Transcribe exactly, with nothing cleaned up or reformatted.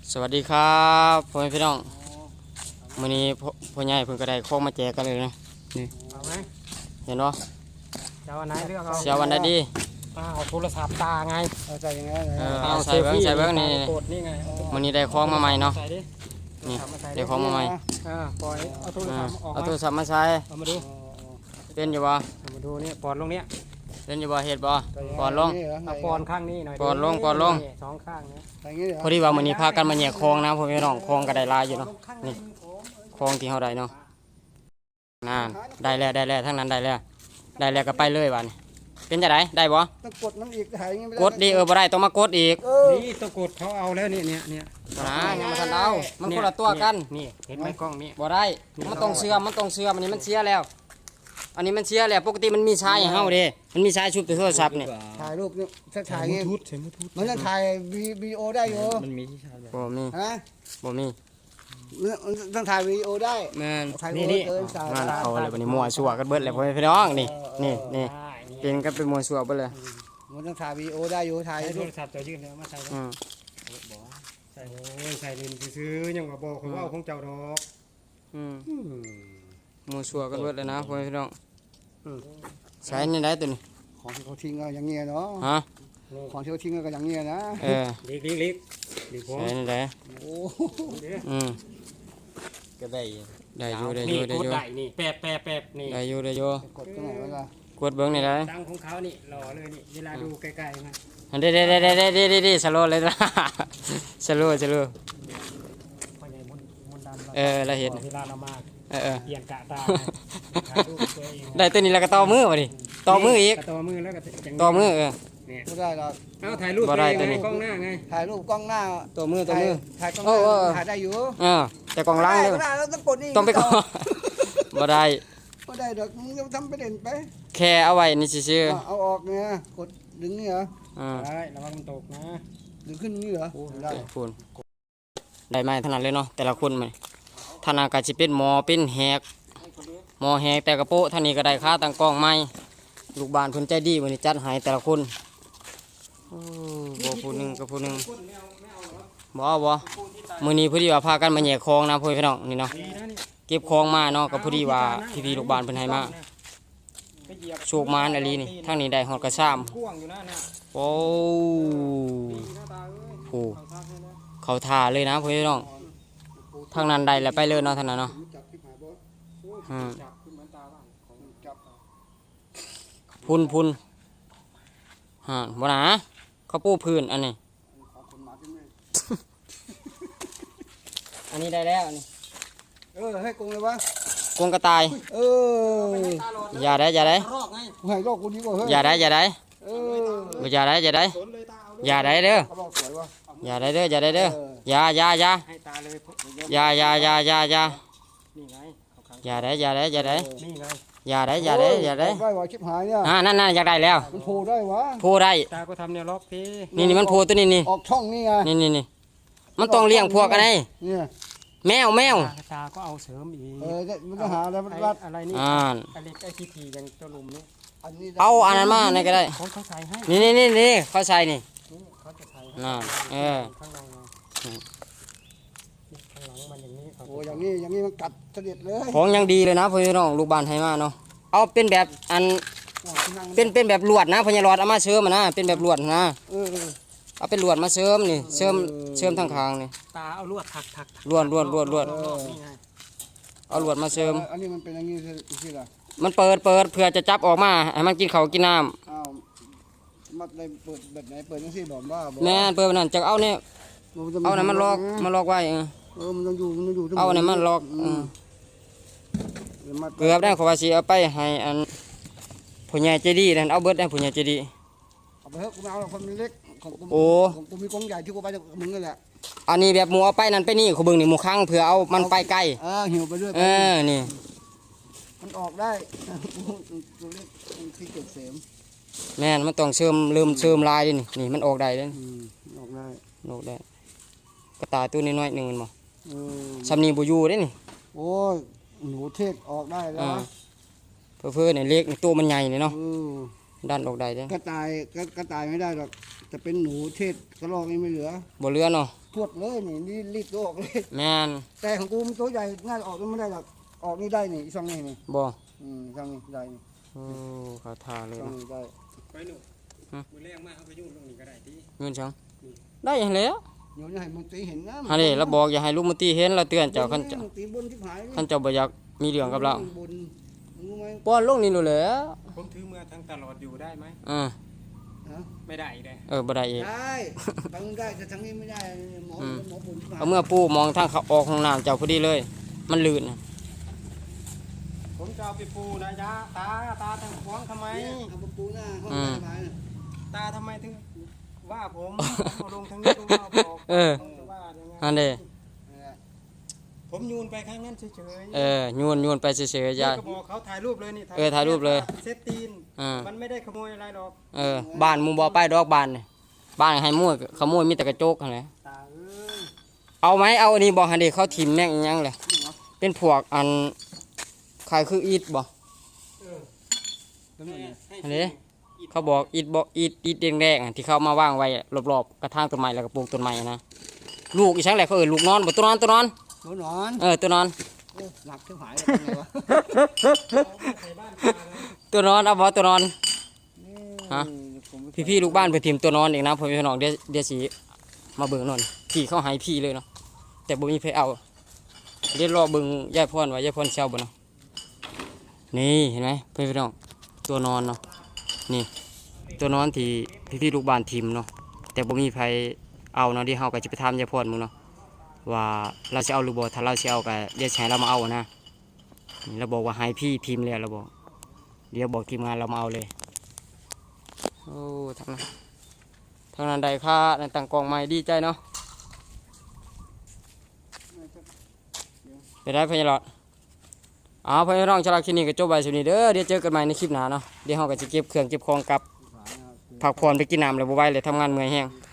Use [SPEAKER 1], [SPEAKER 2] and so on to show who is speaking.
[SPEAKER 1] สวัสดีครับพ่อแม่พี่น้องมื้อนี้พ่อพ่อใหญ่เพิ่นก็ได้ของมาแจกกันเลยนะนี่
[SPEAKER 2] เอาไหม
[SPEAKER 1] เห็นบ่
[SPEAKER 2] จะเอาอันไหนเลือกเอา
[SPEAKER 1] เสียวันใดดี
[SPEAKER 2] เอาโทรศัพท์ตาไง
[SPEAKER 3] เอาใจยังไง
[SPEAKER 1] เออเอาใส่เบิ่งใส่เบิ่งนี่
[SPEAKER 2] กดนี่ไงเอา
[SPEAKER 1] มื้อนี้ได้ของมาใหม่เนาะ
[SPEAKER 2] ใส่ดิ
[SPEAKER 1] นี่
[SPEAKER 2] เอามาใส่ดิ
[SPEAKER 1] ได้ของมาใหม่
[SPEAKER 2] อ่าปล่อยเอาโทร
[SPEAKER 1] อ่า
[SPEAKER 2] ศัพท์ออก
[SPEAKER 1] เอา
[SPEAKER 2] มา
[SPEAKER 1] โทรศัพท์มาใส่
[SPEAKER 2] เอามาดู
[SPEAKER 1] เป็นอยู่บ่
[SPEAKER 2] เอามาดูนี่ปอนลงเนี้ย
[SPEAKER 1] เป็นอยู่บ่เฮ็ดบ่ปอนลง
[SPEAKER 2] เอาปอนข้างนี้หน่อย
[SPEAKER 1] ปอนลงปอนลง
[SPEAKER 2] นี่สองข้างนะ
[SPEAKER 3] อย่างนี้เหรอ
[SPEAKER 1] พอดีว่ามื้อนี้พากันมาแยกของนะพ่อแม่พี่น้องของก็ได้หลายอยู่เนาะนี่ของที่เฮาได้เนาะนั่นได้แล้วได้แล้วทั้งนั้นได้แล้วได้แล้วก็ไปเลยบัดนี้เป็นจังไดได้บ่
[SPEAKER 3] ต้องกดมันอีกถ่ายอย่างนี้ไม่ได้
[SPEAKER 1] กดดีเออบ่ได้ต้องมากดอีก
[SPEAKER 3] เออ
[SPEAKER 2] นี่ตะกรุดเขาเอาแล้วนี่เนี่ยเนี่ย
[SPEAKER 1] นะยังบ่ทันเอามันคนละตัวกัน
[SPEAKER 2] นี่เห็นไหมกล้องนี่
[SPEAKER 1] บ่ได้ มันต้องเชื่อมมันต้องเชื่อมอันนี้มันเสียแล้ว อันนี้มันเสียแล้ว ปกติมันมีชายให้เฮาเด้มันมีชายชุบแต่โทรศัพท์นี่
[SPEAKER 3] ถ่ายรูปนี่ถ้าถ่ายอย่างนี้
[SPEAKER 2] ทุดใส่มือทุด
[SPEAKER 3] มันจะถ่ายวีดีโอได้อยู่
[SPEAKER 2] มันมีที่ชาร์จ
[SPEAKER 1] บ่มี
[SPEAKER 3] ฮะ
[SPEAKER 1] บ่มี
[SPEAKER 3] มันต้องถ่ายวีดีโอได้
[SPEAKER 1] แม่น
[SPEAKER 3] ถ่ายวีดีโอเออถ่าย
[SPEAKER 1] งานเขาเลยบัดนี้มั่วซั่วกันเบิดเลยพ่อแม่พี่น้องนี่นี่นี่
[SPEAKER 2] ได้นี่
[SPEAKER 1] เป็นกันเป็นมั่วซั่วเบิดเลย
[SPEAKER 3] มันต้องถ่ายวีดีโอได้อยู่ถ่าย
[SPEAKER 2] ใช้โท
[SPEAKER 3] รู
[SPEAKER 2] ร
[SPEAKER 3] ป
[SPEAKER 2] ศัพท์จะยื่นแล้วมาใส่
[SPEAKER 1] อืม
[SPEAKER 2] ใส่โอ้ยใส่ลินซื้อๆยังว่าบอกเขาว่าเอาของเจ้าดอก
[SPEAKER 1] อืม
[SPEAKER 2] อืม
[SPEAKER 1] มั่วซั่วกันเบิดเลยนะพ่อแม่พี่น้องใช้นี่ได้ตัวนี้
[SPEAKER 3] ของที่เขาทิ้งก็อย่างเงี้ยเนาะ
[SPEAKER 1] ฮะ
[SPEAKER 3] ของที่เขาทิ้งก็อย่างเงี้ยนะ
[SPEAKER 1] เออ
[SPEAKER 2] ลิกลิกลิกลิกผม
[SPEAKER 1] ใช้นี่ได้
[SPEAKER 3] โอ้
[SPEAKER 1] อืม
[SPEAKER 2] ก็ได้
[SPEAKER 1] ได้อยู่ได้อ
[SPEAKER 2] นี่
[SPEAKER 1] ยู่ได้
[SPEAKER 2] ก
[SPEAKER 1] อ
[SPEAKER 2] ด
[SPEAKER 1] ยู่
[SPEAKER 2] ได้นี่แปบแปบแปบนี่
[SPEAKER 1] ได้อยู่ได้อยู่
[SPEAKER 3] กดตรงไหนวะล่ะ
[SPEAKER 1] กดเบิ่งนี่ได้
[SPEAKER 2] ดังของเขานี่หล่อเลยนี่เวลาดูใกล้ๆมัน
[SPEAKER 1] อันเด้เด้เด้เด้เด้เด้เด้สโลว์เลยนะ สโลว์สโลว์
[SPEAKER 2] พ่อใหญ่มนมนต์ดำ
[SPEAKER 1] เออเราเห็น
[SPEAKER 2] เวลาเรามา
[SPEAKER 1] เออเออ
[SPEAKER 2] เปลี่ยนกะตาถ่ายรูปตัวเอง
[SPEAKER 1] ได้ตัวนี้แล้วก็ต่อมือมาดิต่อมืออีก
[SPEAKER 2] ะต่อมือแล้วก็จัง
[SPEAKER 1] ต่อมือเออ
[SPEAKER 2] เนี่ย
[SPEAKER 3] ไม่ได้หรอก
[SPEAKER 2] เอาถ่ายรูป
[SPEAKER 1] บ่ได้
[SPEAKER 2] ตัวเอง
[SPEAKER 1] ตัวนี้
[SPEAKER 2] ไงกล้องหน้าไง
[SPEAKER 3] ถ่ายรูปกล้องหน้า
[SPEAKER 1] ต่อมือต่อ
[SPEAKER 3] ถ่าย
[SPEAKER 1] มือ
[SPEAKER 3] ถ่ายกล้องห
[SPEAKER 1] โอ้โอ้
[SPEAKER 3] น้าถ่ายได้อยู่
[SPEAKER 1] เออแต่กล่องล้างเลย
[SPEAKER 3] ไม่ได้เราต้องกดนี่
[SPEAKER 1] ต้องไปก่อน บ่ได้
[SPEAKER 3] ไม่ได้ดอกมึงจะทำไปเด่นไป
[SPEAKER 1] แค่เอาไว้นี่ซื่อ
[SPEAKER 3] เอาเอาออกเนี่ยกดดึงนี่เหรอ
[SPEAKER 1] ๆอ่า
[SPEAKER 2] ได้ระวังมันตกนะ
[SPEAKER 3] ดึงขึ้นนี่เหรอได้
[SPEAKER 1] พูนได้ไหมถนัดเลยเนาะแต่ละคนมันท่านอากาศสิเป็นหมอเป็นแหกหมอแหกแต่กระโปะท่านนี้ก็ได้ค่าตั้งกล้องใหม่ลูกบ้านเพิ่นใจดีมื้อนี้จัดให้แต่ละคนโอ้บ่ผู้หนึงกับผู้หนึงบ่เอาบ่มื้อนี้พอดีว่าพากันมาแยกของนะพ่อพี่น้องนี่เนาะ
[SPEAKER 2] ดีนะนี่
[SPEAKER 1] เก็บของมาเนาะก็พอดีว่าพี่ๆลูกบ้านเพิ่นให้มา
[SPEAKER 2] ไปเหยียบ
[SPEAKER 1] โชคมานอลีนี่ทางนี้ได้ฮอดกระซ้ำ
[SPEAKER 2] กว้างอยู่นะเนี่ย
[SPEAKER 1] โอ้
[SPEAKER 2] ดีนะตาเอ้ย
[SPEAKER 1] โห
[SPEAKER 2] เอาทักให้นะ
[SPEAKER 1] เขาท่าเลยนะพ่อพี่น้องทางนั้นได้แล้วไปเลยเนาะทางนั้นเนาะ
[SPEAKER 3] จับที่หาบ่
[SPEAKER 2] โอ้ย
[SPEAKER 1] อืม
[SPEAKER 2] จับขึ้นเหมือนตาบ้านของ
[SPEAKER 3] จับ
[SPEAKER 1] พุนพุนฮะบ่นะเขาปูพื้นอันนี้
[SPEAKER 3] ขอคนมาที่นี่
[SPEAKER 1] อันนี้ได้แล้วอันนี้
[SPEAKER 3] เออให้กงเลยวะ
[SPEAKER 1] กรงกระต่าย
[SPEAKER 3] เออ
[SPEAKER 1] อย่าได้อย่าได้
[SPEAKER 2] รอกไง
[SPEAKER 3] กูให้โลกกูดีกว่าเฮ้ย
[SPEAKER 1] อย่าได้อย่าได้
[SPEAKER 3] เออ
[SPEAKER 1] อย่าได้อย่าได้
[SPEAKER 2] สนเลยตาเอาเลย
[SPEAKER 1] อย่าได้เด้อ
[SPEAKER 3] เขาบอกสวยวะ
[SPEAKER 1] อย่าได้เด้ออย่าได้เด้ออย่าอย่าอย่า
[SPEAKER 2] ให้ตาเลยพวกเดี๋ยว
[SPEAKER 1] อย่าอย่าอย่าอย่าอย่า
[SPEAKER 2] นี่ไงเอาขัง
[SPEAKER 1] อย่าได้อย่าได้อย่าได้
[SPEAKER 2] นี่ไง
[SPEAKER 1] อย่าได้อย่าได้อย่าได้
[SPEAKER 3] โได้วะชิบหายเนี่ย
[SPEAKER 1] อ่านั่นนั่นอยากได้แล้ว
[SPEAKER 3] มันโผล่ได้วะ
[SPEAKER 1] โพได้
[SPEAKER 2] ตาก็ทำเนี่ยล็อกที
[SPEAKER 1] นี่นี่มันโพตัวนี้นี่
[SPEAKER 3] ออกช่องนี่ไง
[SPEAKER 1] นี่นี่นี่มันต้องเลี้ยงพวกอะไร
[SPEAKER 3] เนี่ย
[SPEAKER 1] แมวแมว
[SPEAKER 2] ตาตาก็เอาเสริมอีก
[SPEAKER 3] เออเนี่ยมันต้องหาอะไรมัน
[SPEAKER 2] ไอ้
[SPEAKER 3] รัด
[SPEAKER 2] อะไรนี่
[SPEAKER 1] อ่าน
[SPEAKER 2] ไอ้เล็กไอ้ทีทีอย่างตัวลุมนี่
[SPEAKER 3] อันนี้
[SPEAKER 1] เอาอันนั้นมาในก็ได้
[SPEAKER 2] เขาเขาใส่ให้
[SPEAKER 1] นี่นี่นี่นี่เขาใส่นี่
[SPEAKER 2] นี่เขาจะใส่ให้
[SPEAKER 1] น่ะเออ
[SPEAKER 2] ข้างในไงนี่ข้างหลังมันอย่างนี้เขา
[SPEAKER 3] โอ้อย่างนี้อย่างนี้มันกัดเสด็จเลย
[SPEAKER 1] ของยังดีเลยนะพี่น้องลูกบ้านให้มาเนาะเอาเป็นแบบอัน
[SPEAKER 3] โอ้ที่นั่ง
[SPEAKER 1] เป็นเป็นแบบลวดนะพญารอดเอามาเสริมอะนะเป็นแบบลวดนะ
[SPEAKER 3] เออเออ
[SPEAKER 1] เอาเป็นลวดมาเสริมนี่เสริมเสริมทางคางนี่
[SPEAKER 2] ตาเอาลวดถักถักถัก
[SPEAKER 1] ลวดลวดลวดลวด
[SPEAKER 2] รอบๆนี่ไง
[SPEAKER 1] เอาลวดมาเสริม
[SPEAKER 3] อันนี้มันเป็นอย่างนี้สิล่ะ
[SPEAKER 1] มันเปิดเปิดเพื่อจะจับออกมาให้มันกินข้าวกินน้
[SPEAKER 3] อ้าวมัดได้เปิดแบบไหนเปิดจังซี่บอกว่าบอก
[SPEAKER 1] ำแม่นเปิดมันนั่นจะเอาเนี่ยเอาไหนมันล็อกมันล็อกไว้เออ
[SPEAKER 3] เออมันต้องอยู่มันต้องอยู่
[SPEAKER 1] เอาไหนมันล็อกเออ
[SPEAKER 3] เดี๋ยวมัด
[SPEAKER 1] เกือบได้ขอว่าสิเอาไปให้อันผู้ใหญ่ใจดีนั่นเอาเบิดได้ผู้ใหญ่ใจดี
[SPEAKER 3] เอาไปเถอะกูไม่เอาหรอกคนมันเล็กของกู
[SPEAKER 1] โอ้
[SPEAKER 3] ของกูมีกรงใหญ่ที่กูไปจากมึงนั่นแหละ
[SPEAKER 1] อันนี้แบบหมูเอาไปนั่นไปนี่เขาเบิ่งนี่หมูค้างเผื่อเอามันไปไกล
[SPEAKER 3] เออหิวไปเรื่อย
[SPEAKER 1] เอ
[SPEAKER 3] ไป
[SPEAKER 1] อนี่
[SPEAKER 3] มันออกได้ ตัวเล็กมันที่เก็บเสม
[SPEAKER 1] แม่นมันต้องเสริมเริ่มเสริมลายดินี่นี่มันออกได้เด้อ
[SPEAKER 3] อืมออกได้
[SPEAKER 1] ออกได้กระต่ายตัวน้อยๆหนึงมันบ่
[SPEAKER 3] เออ
[SPEAKER 1] สำนีบ่อยู่เด้นี่
[SPEAKER 3] โอ้ยหนูเทศออกได้แล้ว
[SPEAKER 1] อ่าเพื่อๆนี่เล็กนี่ตัวมันใหญ่นี่เนาะ
[SPEAKER 3] เออ
[SPEAKER 1] ดันออกได้เด้
[SPEAKER 3] กระต่ายกระกระต่ายไม่ได้หรอกจะเป็นหนูเทศกระรอกนี่ไม่เหลือ
[SPEAKER 1] บ่เหลือเนาะ
[SPEAKER 3] พวดเลยนี่นี่รีบตัวออกเลย
[SPEAKER 1] แม่น
[SPEAKER 3] แต่ของกูมันตัวใหญ่น่าจะออกไม่ได้หรอกออกนี่ได้นี่ช่องนี้นี่
[SPEAKER 1] บ่
[SPEAKER 3] อืมช่องนี้ได้นี่
[SPEAKER 1] โอ้เขาท่าเลย
[SPEAKER 3] ช่อง
[SPEAKER 1] เนาะ
[SPEAKER 3] นี้ได้
[SPEAKER 2] ไปหนูมือแรงมากเอาไปยุ่งลงนี่ก็ได้ที่
[SPEAKER 1] เงินจังได้อย่างแล้ว
[SPEAKER 3] เดี๋ยวจะให้มันตีเห็นนะ
[SPEAKER 1] ฮันนี่เราบอกอย่าให้ลูกมุตีเห็นเราเตือนเจ้าคันเจ้า
[SPEAKER 3] มันตีบนที่ผาย
[SPEAKER 1] คันเจ้าบ่อยากมีเรื่องกับเรา
[SPEAKER 3] บนรู้ไหม
[SPEAKER 1] ป้อนลงนี่รู้แหล้ว
[SPEAKER 2] ผมถือมือทั้งตลอดอยู่ได้ไหม
[SPEAKER 1] อ่า
[SPEAKER 3] ฮะ
[SPEAKER 2] ไม่ได้อีกเลย
[SPEAKER 1] เออบ่ได้อีก
[SPEAKER 3] ได้บางได้แต่ทางนี้ไม่ได้หมอหมอบนที่ผาย
[SPEAKER 1] เอาเมื่อปู่มองทางเขาออกห้องน้ำเจ้าพอดีเลย มันลื่นน่ะ
[SPEAKER 2] ผมจะเอาไปปูนะยะตาตาทางขวางทำไม
[SPEAKER 3] เนี่ยเอาประตูหน้าห้อง
[SPEAKER 1] อืม
[SPEAKER 3] ผายน่ะ
[SPEAKER 2] ตาทำไมถึงว่าผมเอาลงทางนี้ลงมาบอก
[SPEAKER 1] เออ
[SPEAKER 2] ผมจะว่ายังไง
[SPEAKER 1] อันนี้
[SPEAKER 3] เนี่ย
[SPEAKER 2] ผมยูนไปข้างนั้นเฉยๆ
[SPEAKER 1] เออโยนโยนไปเฉยๆ
[SPEAKER 2] เดี๋
[SPEAKER 1] ยาย
[SPEAKER 2] วก็บอกเขาถ่ายรูปเลยนี่
[SPEAKER 1] เออถ่ายรูปเลย
[SPEAKER 2] เซตตีน
[SPEAKER 1] อ่า
[SPEAKER 2] มันไม่ได้ขโมยอะไรหรอก
[SPEAKER 1] เออบ้านหมู่บ่ไปดอกบ้านนี่บ้านให้มั่วขโมยมีแต่กระจกหั่นแหละ
[SPEAKER 2] ตาเอ้ย
[SPEAKER 1] เอาไหมเอาอันนี้บ่หั่นดิเขาถิ่มแม่งอีหยังเลยเป็นพวกอันคล้ายคืออีทบ่
[SPEAKER 2] เออ
[SPEAKER 3] แล้วมันเนี่ย
[SPEAKER 1] อันนี้เขาบอกอีทบ่อีทอีทแดงๆอะที่เขามาวางไว้รอบๆกระถางต้นไม้แล้วก็ปลูกต้นไม้อะนะลูกอีช่างแหละเขาเอิ้นลูกนอนบ่ตัวนอนตัวนอน
[SPEAKER 3] หนูนอน
[SPEAKER 1] เออตัวนอน
[SPEAKER 3] โอ้หนักที่ผายแล้วเป็นไงวะ
[SPEAKER 2] ใส่บ้านตาเลย
[SPEAKER 1] ตัวนอนเอาบ่ตัวนอน ฮะ
[SPEAKER 3] ผมไม่
[SPEAKER 1] พี่ๆลูกบ้านเพิ่นถิ่มตัวนอนอีกนะผมพี่น้องเดี๋ยวเดี๋ยวสิมาเบิ่งนอนพี่เขาให้พี่เลยเนาะแต่บ่มีไผเอาเดี๋ยวรอเบิ่งยายพรว่ายายพรสิเช่าบ่เนาะนี่เห็นไหมพี่ๆน้องตัวนอนเนาะนี่ตัวนอนที่พี่ๆลูกบ้านถิ่มเนาะแต่บ่มีไผเอาเนาะเดี๋ยวเฮาก็สิไปถามยายพรมึงเนาะว่าเราสิเอาหรือบ่ถ้าเราสิเอาก็เดี๋ยวสิให้เรามาเอานะนี่เราบอกว่าให้พี่พิมพ์แล้วเราบอกเดี๋ยวบอกทีมงานเรามาเอาเลยโอ้ทางนั้นทางนั้นได้ค่าในต่างกองใหม่ดีใจเนาะไปได้พญาหลอดอ้าวพญาน้องชลาคลินิกก็จบไปสุดนี้เด้อเดี๋ยวเจอกันใหม่ในคลิปหน้าเนาะเดี๋ยวเฮาก็จะเก็บเครื่องเก็บของกลับพักผ่อนไปกินน้ำแล้วบ่ไหวเลยทำงานเมื่อยแฮง